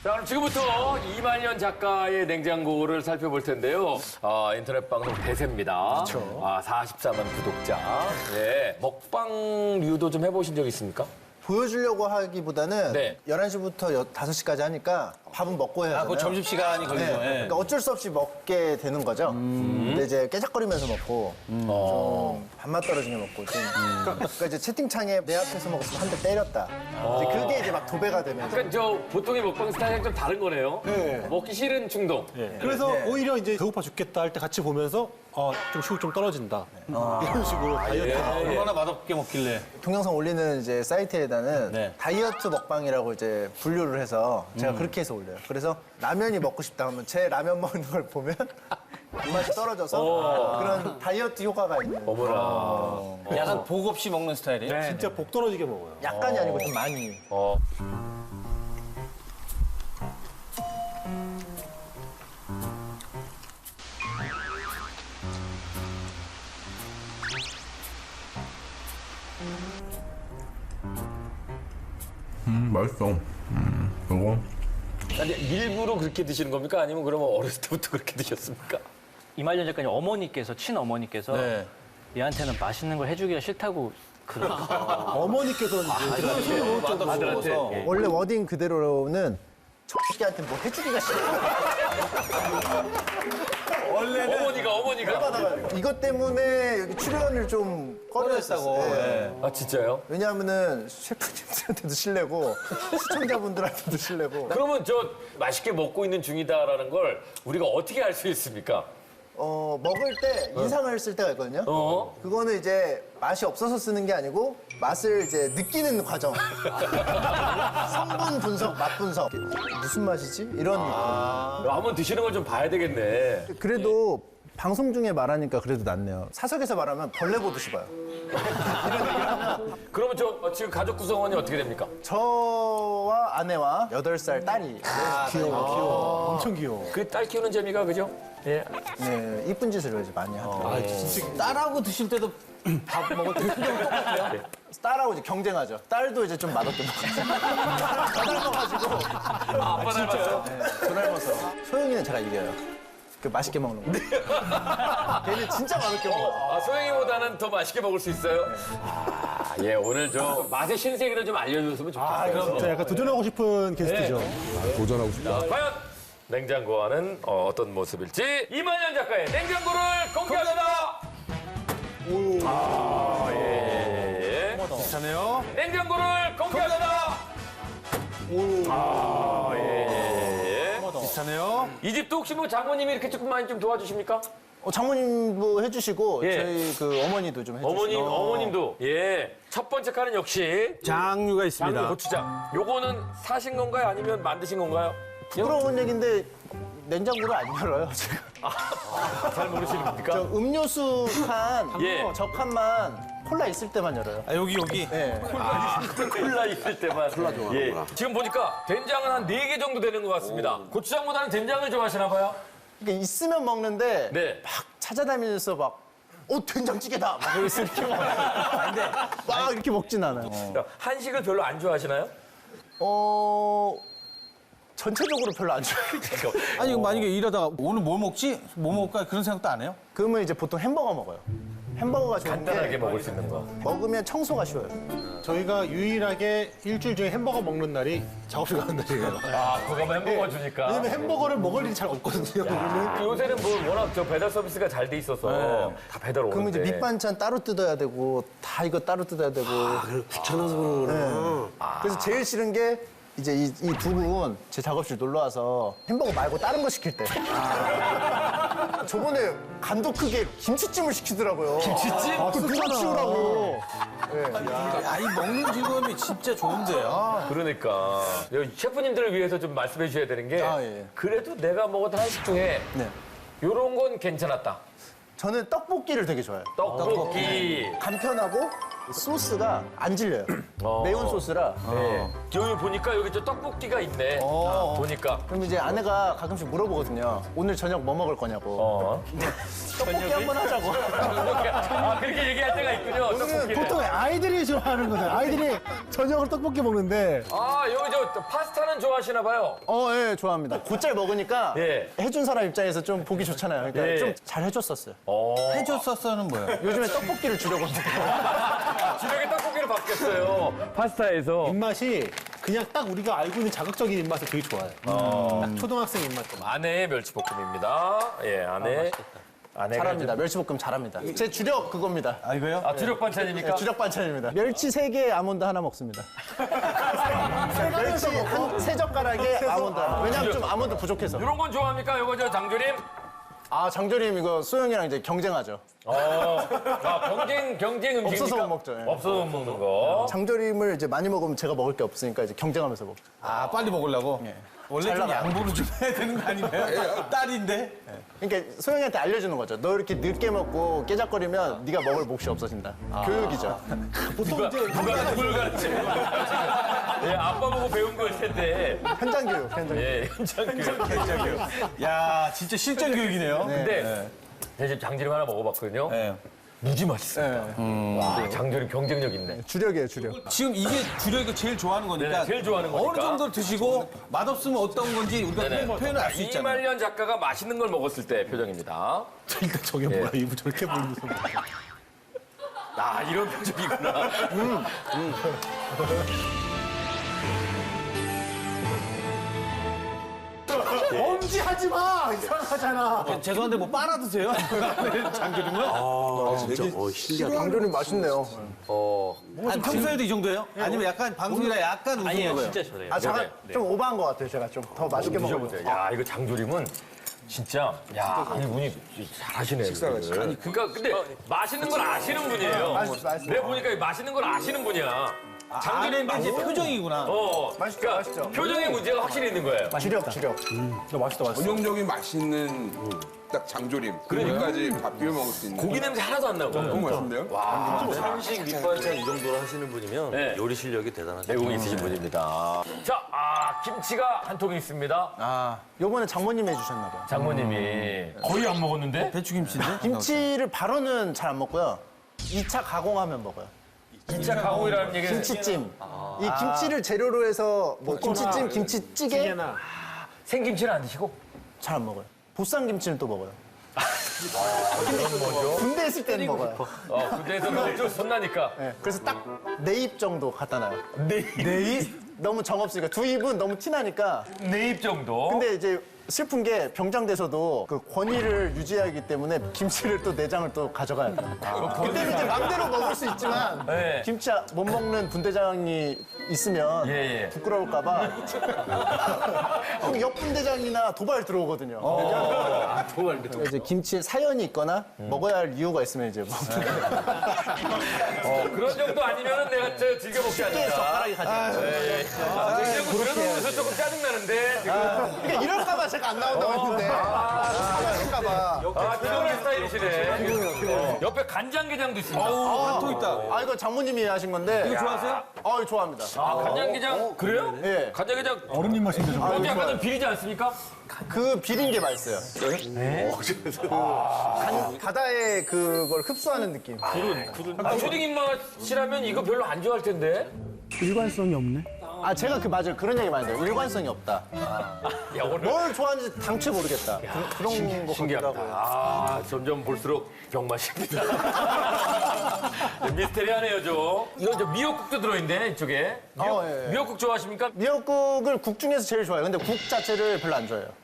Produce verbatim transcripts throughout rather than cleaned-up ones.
자, 그럼 지금부터 이말년 작가의 냉장고를 살펴볼 텐데요. 아, 인터넷 방송 대세입니다. 그렇죠. 아, 사십사만 구독자. 예. 먹방류도 좀 해보신 적 있습니까? 보여주려고 하기보다는 네. 열한 시부터 다섯 시까지 하니까 밥은 먹고 해야 아, 하잖아요. 그 점심시간이 걸리죠. 네. 예. 그러니까 어쩔 수 없이 먹게 되는 거죠. 근데 이제 깨작거리면서 먹고 좀 밥맛 떨어지게 먹고 좀 그러니까 이제 채팅창에 내 앞에서 먹었으면 한 대 때렸다. 이제 그게 이제 막 도배가 되면서 그러니까 저 보통의 먹방 스타일이랑 좀 다른 거네요. 네. 먹기 싫은 충동. 그래서 오히려 이제 배고파 죽겠다 할 때 같이 보면서 어, 좀 식욕 좀 떨어진다. 이런 식으로 다이어트. 얼마나 맛없게 먹길래. 동영상 올리는 이제 사이트에다는 네. 다이어트 먹방이라고 이제 분류를 해서 제가 그렇게 해서 올려요. 그래서 라면이 먹고 싶다 하면 제 라면 먹는 걸 보면 입맛이 떨어져서 그런 다이어트 효과가 있는. 어머나. 약간 복 없이 먹는 스타일이에요? 진짜 복 떨어지게 먹어요. 약간이 아니고 좀 많이. 어. 음, 맛있어. 음, 이거. 아니, 일부러 그렇게 드시는 겁니까? 아니면 그러면 어렸을 때부터 그렇게 드셨습니까? 이말년 작가님 어머니께서 친어머니께서 네. 얘한테는 맛있는 걸 해주기가 싫다고 그러더라고요. 어머니께서는 이제 아들한테. 원래 워딩 그대로는 초식이한테 뭐 해주기가 싫어. 어머니가, 어머니가. 이것 때문에 여기 출연을 좀 꺼려했다고. 네. 아, 진짜요? 왜냐하면은 셰프님들한테도 실례고 시청자분들한테도 실례고. 그러면 저 맛있게 먹고 있는 중이다라는 걸 우리가 어떻게 알 수 있습니까? 어 먹을 때 인상을 쓸 때가 있거든요. 어? 그거는 이제 맛이 없어서 쓰는 게 아니고 맛을 이제 느끼는 과정. 성분 분석, 맛 분석. 무슨 맛이지? 이런 느낌. 한번 드시는 걸 좀 봐야 되겠네. 그래도 방송 중에 말하니까 그래도 낫네요. 사석에서 말하면 벌레 보듯이 봐요. 그러면 저 어, 지금 가족 구성원이 어떻게 됩니까? 저와 아내와 여덟 살 딸이 귀여워, 귀여워. 엄청 귀여워. 그 딸 키우는 재미가 그죠? 예. 네, 이쁜 짓을 이제 많이 하더라고요. 딸하고 드실 때도 밥 먹을 때 표정 똑같아요? 딸하고 이제 경쟁하죠. 딸도 이제 좀 맛없게 먹어요. 다 닮아가지고. 아, 아빠 닮았어요? 네, 저 닮아서. 소영이는 제가 이겨요. 그 맛있게 먹는 거. 걔는 진짜 맛있게 먹어요. 아, 소영이보다는 더 맛있게 먹을 수 있어요? 아, 예, 오늘 저 맛의 신세계를 좀 알려줬으면 좋겠어요. 진짜 약간 도전하고 싶은 게스트죠. 도전하고 싶다. 과연 냉장고 안은 어, 어떤 모습일지 이만현 작가의 냉장고를 공개합니다. 아, 예, 예, 예. 비슷하네요. 냉장고를 공개합니다. 아, 예, 예, 예. 비슷하네요. 이 집도 혹시 뭐 장모님이 이렇게 조금 많이 좀 도와주십니까? 어, 장모님도 해주시고 예. 저희 그 어머니도 좀 해주시고. 어머님, 어머님도. 예. 첫 번째 칸은 역시 장류가 있습니다. 장류 고추장. 요거는 사신 건가요? 아니면 만드신 건가요? 부끄러운 얘기인데 냉장고를 안 열어요, 제가. 잘 모르시는 겁니까? 저 음료수 칸, 예. 저 칸만 콜라 있을 때만 열어요. 아, 여기, 여기. 네. 콜라 있을 때만. 콜라 예. 지금 보니까 된장은 한 네 개 정도 되는 것 같습니다. 고추장보다는 된장을 좋아하시나 봐요? 그러니까 있으면 먹는데 네. 막 찾아다니면서 막 어, 된장찌개다! 막 이렇게 이렇게 먹어요. 근데 막 이렇게 먹진 않아요. 한식을 별로 안 좋아하시나요? 어, 전체적으로 별로 안 좋아해요. 아니, 이거 만약에 일하다가 오늘 뭐 먹지? 뭐 먹을까? 그런 생각도 안 해요? 그러면 이제 보통 햄버거 먹어요. 햄버거가 간단하게 좋은데 먹을 수 있는 거. 먹으면 청소가 쉬워요. 저희가 유일하게 일주일 중에 햄버거 먹는 날이 작업실 가는 날이에요. 아, 그거 햄버거 주니까. 왜냐면 햄버거를 먹을 일이 잘 없거든요. 우리는. 요새는 뭐 워낙 저 배달 서비스가 잘 돼 있어서 다 배달 오는데. 그러면 이제 밑반찬 따로 뜯어야 되고 다 이거 따로 뜯어야 되고. 귀찮아서 그러구나. 그래서 제일 싫은 게 이제 이 두 분 제 작업실 놀러 와서 햄버거 말고 다른 거 시킬 때. 저번에 간도 크게 김치찜을 시키더라고요. 김치찜? 아, 그 누가 치우라고. 야, 이 먹는 즐거움이 진짜 좋은데요. 그러니까 여기 셰프님들을 위해서 좀 말씀해 주셔야 되는 게 아, 예. 그래도 내가 먹었던 한식 중에 네. 요런 건 괜찮았다. 저는 떡볶이를 되게 좋아해요. 떡볶이. 간편하고 소스가 안 질려요. 어. 매운 소스라. 네. 여기 보니까 여기 저 떡볶이가 있네. 아, 보니까. 그럼 이제 아내가 가끔씩 물어보거든요. 오늘 저녁 뭐 먹을 거냐고. 어. 떡볶이 한번 하자고. 아, 그렇게 얘기할 때가 있군요. 떡볶이를. 보통 아이들이 좋아하는 거잖아요. 아이들이 저녁을 떡볶이 먹는데 아, 여기 저 또 파스타는 좋아하시나 봐요. 어, 예, 좋아합니다. 곧잘 먹으니까 예. 해준 사람 입장에서 좀 보기 좋잖아요. 그러니까 예. 좀 잘 해줬었어요. 해줬었어는 뭐야? 요즘에 떡볶이를 주려고 하는데 주력에 떡볶이로 바뀌었어요. 파스타에서. 입맛이 그냥 딱 우리가 알고 있는 자극적인 입맛을 되게 좋아해요. 딱 초등학생 입맛. 아내의 멸치볶음입니다. 예, 아내. 아내가 잘합니다. 멸치볶음 잘합니다. 제 주력 그겁니다. 아, 이거요? 좀- 아, 주력 반찬입니까? 네, 주력 반찬입니다. 멸치 세 개에 아몬드 하나 먹습니다. 멸치 한 세 젓가락에 아몬드 하나. 왜냐면 좀 아몬드 부족해서. 이런 건 좋아합니까? 이거 저 장조림? 아, 장조림 이거 소영이랑 이제 경쟁하죠. 어, 아, 경쟁, 경쟁 음식입니까? 없어서 못 먹죠, 예. 없어서 못 먹는 거. 장조림을 이제 많이 먹으면 제가 먹을 게 없으니까 이제 경쟁하면서 먹죠. 아, 빨리 먹으려고? 원래 잘 좀 나가요. 양보를 좀 해야 되는 거 아닌가요? 딸인데? 그러니까 소영이한테 알려주는 거죠. 너 이렇게 늦게 먹고 깨작거리면 네가 먹을 몫이 없어진다. 교육이죠. 누가, 누가 누굴 가르쳐? 예, 아빠 보고 배운 걸 텐데. 현장 교육, 현장 교육. 예, 현장 교육. 야, 진짜 실전 교육이네요. 근데 제가 지금 장조림 하나 먹어봤거든요. 네. 무지 맛있어요. 네. 와, 장조림 경쟁력 있네. 주력이에요, 주력. 지금 이게 주력이 제일 좋아하는 거니까 네네, 제일 좋아하는 거니까. 어느 정도 드시고 맛없으면 어떤 건지 우리가 네네. 표현을 알 수 있잖아요. 이말년 작가가 맛있는 걸 먹었을 때 표정입니다. 일단 저게 뭐야, 입을 저렇게 보이면서. 아, 이런 표정이구나. 엄지하지 마! 이상하잖아. 죄송한데 뭐 빨아 드세요? 장조림을? 장조림 맛있네요. 아니, 평소에도 이 정도예요? 아니면 약간 방송이라 약간 웃는 아니에요, 거예요? 진짜 저래요. 아, 잠깐 좀 오버한 것 같아요. 제가 좀 더 맛있게 먹어요. 드셔보세요. 야, 이거 장조림은 진짜, 야, 아니, 분이 잘하시네. 식사가 아니, 그러니까, 근데 맛있는 걸 아시는 분이에요. 맛있어, 맛있어. 내가 보니까 맛있는 걸 아시는 분이야. 장조림 아, 이제 맛있어. 표정이구나. 어, 맛있죠, 그러니까 맛있죠. 표정의 문제가 확실히 있는 거예요. 주력, 주력. 맛있다, 맛있어. 전형적인 맛있는 딱 장조림. 그러니까지 밥 비벼 먹을 수 있는. 고기 냄새 하나도 안 나고. 너무 맛있는데요? 한식 밑반찬 이 정도로 하시는 분이면 네. 요리 실력이 대단하죠. 내공 있으신 분입니다. 자, 아, 김치가 한 통 있습니다. 요번에 장모님이 해주셨나 봐요. 장모님이 거의 안 먹었는데? 배추김치인데? 김치를 바로는 잘 안 먹고요. 이 차 가공하면 먹어요. 이 차 가공이라는 얘기는 김치찜. 이 김치를 재료로 해서 뭐 김치찜, 김치찌개 생김치는 안 드시고? 잘 안 먹어요. 보쌈 김치는 또 먹어요. 군대 있을 때는 먹어요. 어, 군대에서는 좀 손나니까. 네, 그래서 딱 네 입 정도 갖다 놔요. 네 입? 네 입? 너무 정없으니까 두 입은 너무 티나니까. 네 입 정도? 근데 이제 슬픈 게 병장돼서도 그 권위를 유지하기 때문에 김치를 또 내장을 또 가져가야 돼요. 그때는 이제 맘대로 먹을 수 있지만 네. 김치 못 먹는 분대장이 있으면 예, 예. 부끄러울까봐 그럼 옆 분대장이나 도발 들어오거든요. 도발 이제 김치에 사연이 있거나 먹어야 할 이유가 있으면 이제 먹는 거예요. 어, 그런 정도 아니면 내가 저 즐겨 먹지 깨 않는다. 젓가락이 가지. 그리고 들어놓으면서 조금 짜증나는데. 지금. 그러니까 이럴까봐 제가 안 나온다고 했는데. 아, 이럴까봐. 아, 피곤한 스타일이시네. 옆에 간장게장도 있습니다. 한통 있다. 아, 이거 장모님이 하신 건데. 이거 좋아하세요? 아, 이거 좋아합니다. 아, 간장게장. 그래요? 예. 간장게장. 어른님 맛인데 좀. 근데 약간 좀 비리지 않습니까? 그 비린 게 맛있어요. 네? 간, 바다의 그걸 흡수하는 느낌. 아, 초딩 입맛이라면 이거 별로 안 좋아할 텐데. 아, 제가 그 맞아요. 그런 얘기 많이 해요. 일관성이 없다. 야, 오늘 뭘 좋아하는지 당최 모르겠다. 그, 런 거 신기하다. 같기도 하고요. 아, 점점 볼수록 병맛입니다. 미스테리하네요, 좀. 이거 저 미역국도 들어있네, 이쪽에. 미역, 어, 예, 예. 미역국 좋아하십니까? 미역국을 국 중에서 제일 좋아해요. 근데 국 자체를 별로 안 좋아해요.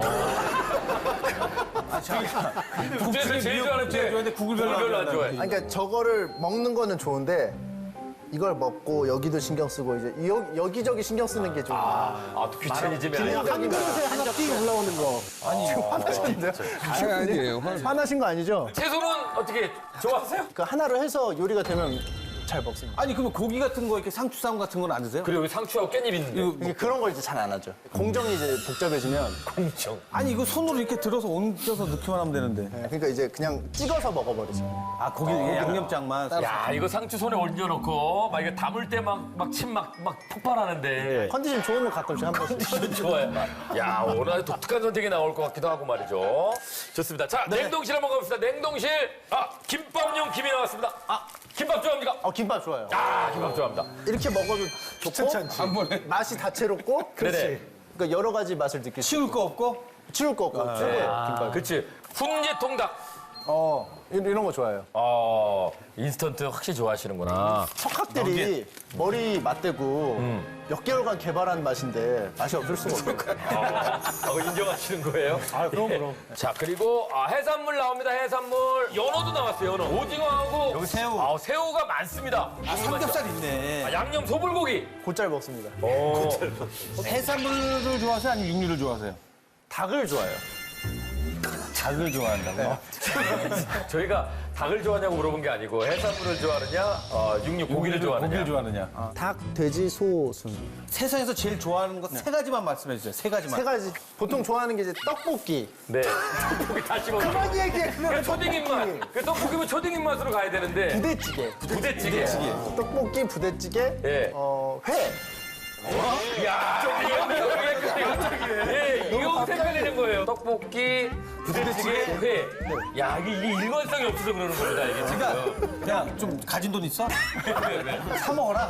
국제에서 제일 좋아하는 제일 좋아하는데 국을 별로 안 별로 안 좋아한다. 좋아해. 아니, 그러니까 저거를 먹는 거는 좋은데 이걸 먹고 여기도 신경 쓰고 이제 여, 여기저기 신경 쓰는 게 좀. 아, 또 귀차니즘이 아니에요. 한 그릇에 하나 띄 올라오는 거. 아니, 지금 화나셨는데요? 아니, 아니에요. 화나신 거 아니죠? 채소는 어떻게 좋아하세요? 그 하나로 해서 요리가 되면 잘 먹습니다. 아니, 그러면 고기 같은 거, 이렇게 상추쌈 같은 건 안 드세요? 그리고 여기 상추하고 깻잎 있는데. 이게 그런 걸 이제 잘 안 하죠. 공정이 이제 복잡해지면. 공정. 아니, 이거 손으로 이렇게 들어서 얹어서 넣기만 하면 되는데. 네, 그러니까 이제 그냥 찍어서 먹어버리죠. 아, 고기 양념장만. 야, 이거 상추 손에 얹어놓고 막 이거 담을 때 막 막 침 막 막 폭발하는데. 컨디션 좋으면 가끔씩 한 번씩. 컨디션 좋아요. 야, 오늘 아주 독특한 선택이 나올 것 같기도 하고 말이죠. 좋습니다. 자, 냉동실 한번 가봅시다. 냉동실. 아, 김밥용 김이 나왔습니다. 아, 김밥 좋아합니까? 어, 김밥 좋아요. 아, 김밥 좋아합니다. 이렇게 먹어도 좋고 한 번에. 맛이 다채롭고 네네. 그러니까 여러 가지 맛을 느낄 수 치울 거 없고? 치울 거 없고 최고예요, 김밥. 그렇지. 훈제통닭. 어, 이- 이런 거 좋아해요. 어, 인스턴트 확실히 좋아하시는구나. 석학들이 머리 맞대고 몇 개월간 개발한 맛인데 맛이 없을 수가 없어요. 어, 인정하시는 거예요? 아, 그럼 그럼. 자, 그리고 아, 해산물 나옵니다. 해산물. 연어도 나왔어요. 연어. 오징어하고 여기 새우. 아, 새우가 많습니다. 아, 삼겹살 있네. 아, 양념 소불고기. 곧잘 먹습니다. 오. 해산물을 좋아하세요? 아니면 육류를 좋아하세요? 닭을 좋아해요. 닭을 좋아한다고? 저희가 닭을 좋아하냐고 물어본 게 아니고 해산물을 좋아하느냐, 어, 육류 고기를 좋아하느냐. 고기를 좋아하느냐? 아, 닭, 돼지, 소, 순. 세상에서 제일 좋아하는 거 세 가지만 말씀해 주세요. 세 가지만. 세 가지. 보통 좋아하는 게 이제 떡볶이. 네. 떡볶이 다시 먹는 거. 그만 얘기해, 그 그만. 초딩 입맛. 그 떡볶이면 초딩 입맛으로 가야 되는데. 부대찌개. 부대찌개. 떡볶이, 부대찌개, 예. 어, 회. 야, 이거 예, 이거 색깔내는 거예요. 떡볶이, 부대찌개, 회. 야, 이게, 이게 일관성이 없어서 그러는 겁니다, 이게 지금. 그러니까 그냥 좀 가진 돈 있어? 사 먹어라.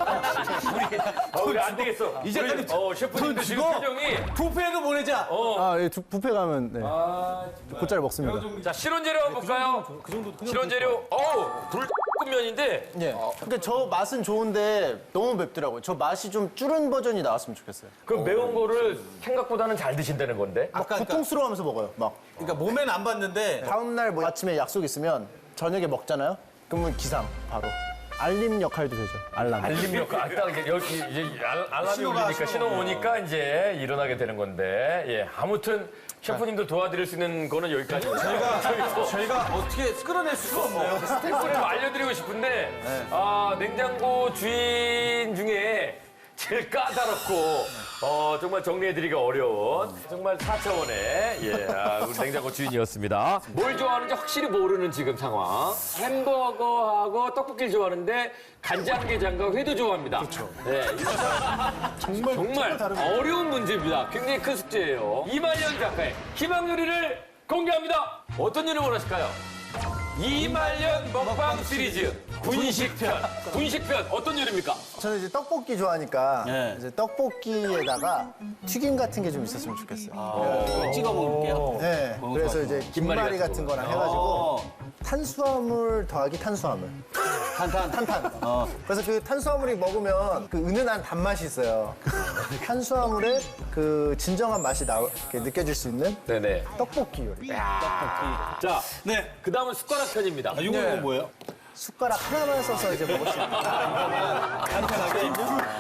어, 우리 안 되겠어. 이제 우리, 어, 셰프님도 지금 주고 표정이. 부페도 보내자. 아, 예, 두- 뷔페 가면 네. 곧잘 먹습니다. 자, 실온재료 한번 볼까요? 실온재료. 어우, 불면인데. 예. 근데 저 맛은 좋은데 너무 맵더라고요. 저 맛이 좀 줄은 버전이 나왔으면 좋겠어요. 그 매운 거를 생각보다는 잘 드신다는 건데. 막 아까 그러니까- 고통스러워하면서 먹어요. 막 그러니까 몸에는 안 봤는데 다음 날 뭐 아침에 약속 있으면 저녁에 먹잖아요. 그러면 기상 바로 알림 역할도 되죠. 알람. 알림 역할. 아, 딱 이제 여기 이제 알- 알람이 신호가, 울리니까 신호 신호. 오니까 이제 일어나게 되는 건데. 예. 아무튼 셰프님도 도와드릴 수 있는 거는 여기까지. 저희가 저희가 어떻게 끌어낼 수가 없네요. 스태프를 좀 알려드리고 싶은데 아, 냉장고 주인 중에 제일 까다롭고 어, 정말 정리해드리기 어려운 정말 사 차원의 예, 아, 우리 냉장고 주인이었습니다. 뭘 좋아하는지 확실히 모르는 지금 상황. 햄버거하고 떡볶이를 좋아하는데 간장게장과 회도 좋아합니다. 그렇죠. 네, 정말, 정말 어려운 문제입니다. 굉장히 큰 숙제예요. 이말년 작가의 희망 요리를 공개합니다. 어떤 요리 원하실까요? 이말년 먹방 시리즈 군식편. 군식편 어떤 요리입니까? 저는 이제 떡볶이 좋아하니까 네. 이제 떡볶이에다가 튀김 같은 게 좀 있었으면 좋겠어요. 찍어 먹을게요. 네. 그래서 이제 김말이 같은 거랑 해가지고 탄수화물 더하기 탄수화물. 탄탄. 탄탄. 그래서 그 탄수화물이 먹으면 그 은은한 단맛이 있어요. 탄수화물의 그 진정한 맛이 나, 이렇게 느껴질 수 있는 네네. 떡볶이 요리. 자, 네. 그 다음은 숟가락 편입니다. 아, 이거 이건 뭐예요? 숟가락 하나만 써서 이제 먹을 수 있는. 간편하게.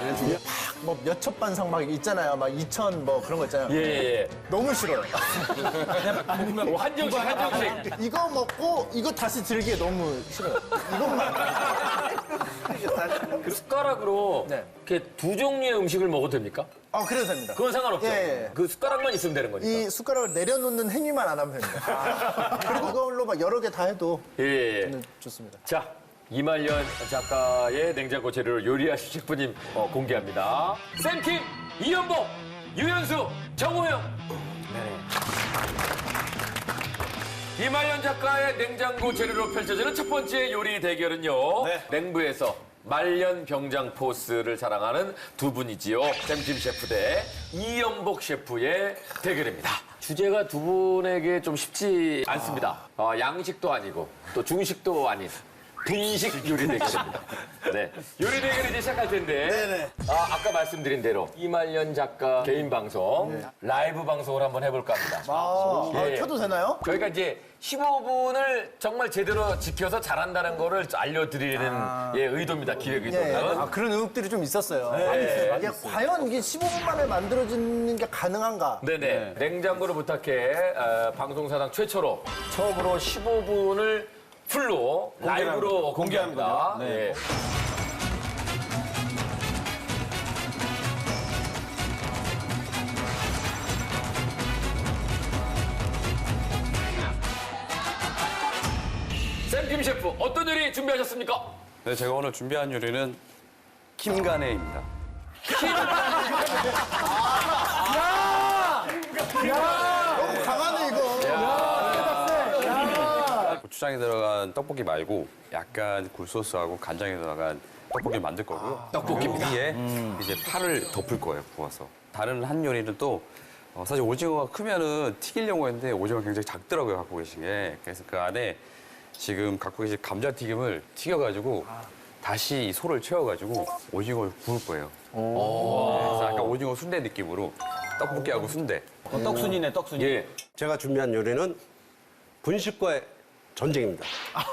뭐 몇첩 반상 막 있잖아요. 막 이천 뭐 그런 거 있잖아요. 예, 예, 너무 싫어요. 예. 오, 한정식, 한정식. 이거 먹고 이거 다시 들기에 너무 싫어요. 이것만. 그 숟가락으로 네. 이렇게 두 종류의 음식을 먹어도 됩니까? 아, 그래도 됩니다. 그건 상관없죠. 예, 예. 그 숟가락만 있으면 되는 거니까. 이 숟가락을 내려놓는 행위만 안 하면 됩니다. 그리고 이걸로 막 여러 개 다 해도 예, 예, 예. 저는 좋습니다. 자, 이말년 작가의 냉장고 재료를 요리하신 셰프님 어, 공개합니다. 샘킴, 이연복, 유현수, 정호영. 네. 이말년 작가의 냉장고 재료로 펼쳐지는 첫 번째 요리 대결은요. 네. 냉부에서 말년 병장 포스를 자랑하는 두 분이지요. 샘킴 셰프 대 이연복 셰프의 대결입니다. 주제가 두 분에게 좀 쉽지 않습니다. 어, 양식도 아니고 또 중식도 아닌 분식 요리 대결입니다. 네. 요리 대결 이제 시작할 텐데. 네네. 아, 아까 말씀드린 대로 이말년 작가 개인 방송, 라이브 방송을 한번 해볼까 합니다. 아, 예. 아, 켜도 되나요? 저희가 이제 십오 분을 정말 제대로 지켜서 잘한다는 거를 알려드리는 예, 의도입니다. 기획 예, 의도는. 아, 그런 의혹들이 좀 있었어요. 아니, 이게 과연 이게 십오 분 만에 만들어지는 게 가능한가? 네네. 냉장고를 부탁해 어, 방송사상 최초로 처음으로 십오 분을 풀로 라이브로 공개하는 공개합니다. 거죠. 네. 예. 샘킴 셰프 어떤 요리 준비하셨습니까? 네, 제가 오늘 준비한 요리는 킴가네입니다. 너무 강하네, 이거. 고추장에 들어간 떡볶이 말고 약간 굴소스하고 간장에 들어간 떡볶이를 만들 거고요. 떡볶이입니다. 위에 이제 파를 덮을 거예요, 구워서. 다른 한 요리는 또 어, 사실 오징어가 크면은 튀기려고 했는데 오징어가 굉장히 작더라고요, 갖고 계신 게. 그래서 그 안에 지금 갖고 계신 감자튀김을 튀겨가지고 다시 이 소를 채워가지고 오징어를 구울 거예요. 그래서 약간 오징어 순대 느낌으로 떡볶이하고 순대. 어, 떡순이네, 떡순이. 예. 제가 준비한 요리는 분식과의 전쟁입니다.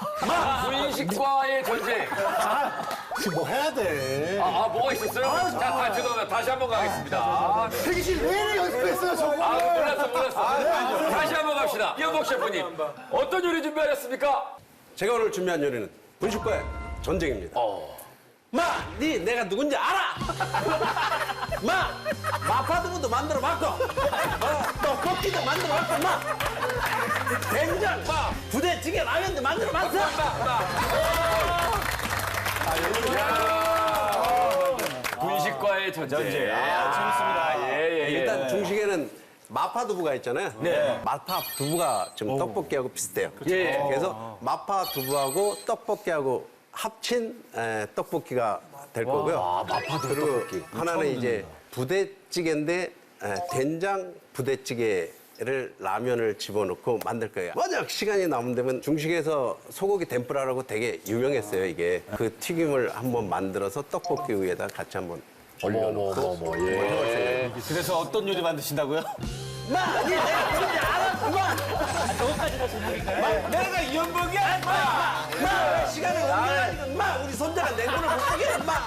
분식과의 전쟁. 지금 뭐 해야 돼? 아, 아, 뭐가 있었어요? 자, 다, 죄송합니다. 다시 한 번 가겠습니다. 아, 대기실 내내 연습했어요, 저거. 아, 몰랐어, 몰랐어. 다시 한 번 갑시다. 이현복 셰프님, 어떤 요리 준비하셨습니까? 제가 오늘 준비한 요리는 분식과의 전쟁입니다. 마! 니 내가 누군지 알아! 마! 마파두부도 만들어 봤고 어, 떡볶이도 만들어 봤고 마! 된장! 마! 부대찌개 라면도 만들어 봤어! 분식과의 전쟁. 아, 재밌습니다. 예, 예, 예. 일단 중식에는 마파두부가 있잖아요. 네. 마파두부가 지금 떡볶이하고 비슷해요. 예. 그래서 마파두부하고 떡볶이하고 합친 에, 떡볶이가 될 거고요. 아, 마파두부 그리고 떡볶이. 하나는 이제 부대찌개인데 에, 된장 부대찌개를 라면을 집어넣고 만들 거예요. 만약 시간이 남으면 중식에서 소고기 덴뿌라라고 되게 유명했어요, 이게. 그 튀김을 한번 만들어서 떡볶이 위에다 같이 한번 올려놓고 예. 그래서 어떤 요리 만드신다고요? 마! 니 내가 누군지 알아! 마! 마! 내가 이현복이야! 마! 마! 시간이 없는 마! 우리 손자가 냉면을 못 먹게! 마!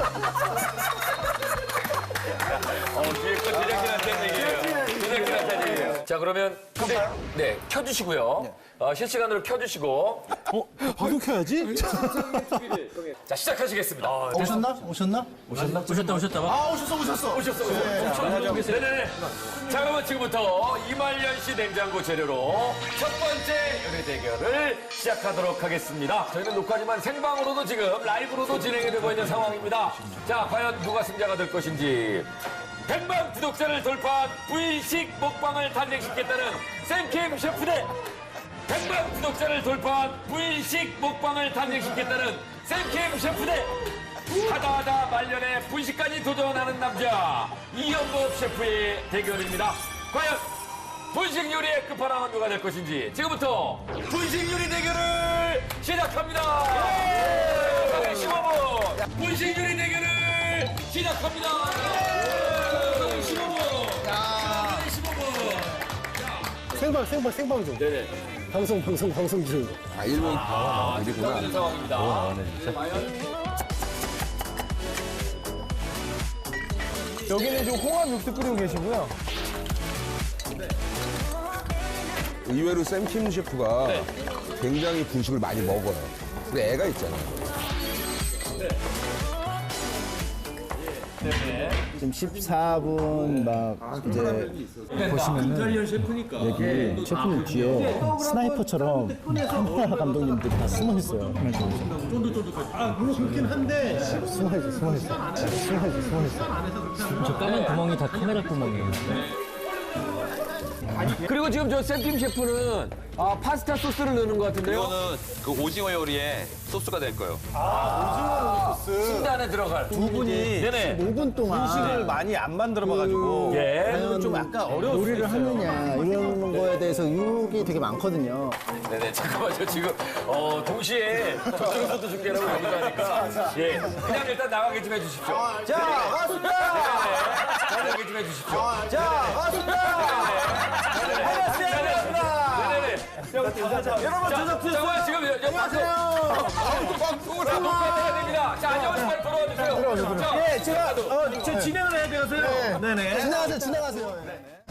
어, 뒤에 거 제작진한테 얘기해요. 제작진한테 얘기해요. 자, 그러면, 근데, 네, 켜주시고요. 어, 실시간으로 켜주시고. 어? 방송 켜야지? 자, 시작하시겠습니다. 오셨나? 오셨나? 오셨다 오셨다 봐. 아, 오셨어, 오셨어. 오셨어, 오셨어. 네네네. 자, 그러면 지금부터 이말년 씨 냉장고 재료로 첫 번째 요리 대결을 시작하도록 하겠습니다. 저희는 녹화지만 생방으로도 지금 라이브로도 진행이 되고 있는 상황입니다. 자, 과연 누가 승자가 될 것인지. 백만 구독자를 돌파한 부인식 먹방을 탄생시켰다는 샘킴 셰프 대 백만 구독자를 돌파한 부인식 먹방을 탄생시켰다는 샘킴 셰프 대 하다하다 말년에 분식까지 도전하는 남자 이현복 셰프의 대결입니다. 과연 분식 요리의 끝판왕은 누가 될 것인지 지금부터 분식 요리 대결을 시작합니다. 예! 십오 분 분식 요리 대결을 시작합니다. 예! 십오 분. 자, 십오 분. 생방, 생방, 생방송. 네네. 방송, 방송, 방송 중. 아, 일본 아, 일이구나. 있는 상황입니다. 과연 여기는 지금 홍합 육수 끓이고 계시고요. 의외로 샘킴 셰프가 굉장히 분식을 많이 먹어요. 근데 애가 있잖아요. 지금 십사 분 막 이제 보시면은 여기 셰프님 뒤에 스나이퍼처럼 카메라 감독님들이 다 숨어 있어요. 아, 물론 그렇긴 한데 숨어 있어, 숨어 있어, 숨어 있어, 숨어 있어. 저 까만 구멍이 다 카메라 구멍이에요. 그리고 지금 저 샘킴 셰프는 아, 파스타 소스를 넣는 것 같은데요? 이거는 그 오징어 요리에 소스가 될 거예요. 순대 안에 들어갈 두 분이 네네. 오 분 동안 음식을 많이 안 만들어 봐가지고 예. 과연 좀 약간 어려울 수도 요리를 있어요. 하느냐 이런 거에 대해서 의혹이 되게 많거든요. 네네, 잠깐만요. 지금, 어, 동시에 저쪽에서도 중계라고 여기도 하니까. 예. 그냥 일단 나가게 좀 해주십시오. 자, 왔습니다. 네네. 나가게 좀 해주십시오. 자, 왔습니다. 네네네. 여러분 저녁 드세요. 잠깐만, 지금 옆 방송, 방송을 하고 녹화해야 됩니다. 자, 안녕하세요. 빨리 돌아와 주세요. 예, 제가 어, 저 진행을 해야 되거든요. 네. 지나가세요, 지나가세요. 네.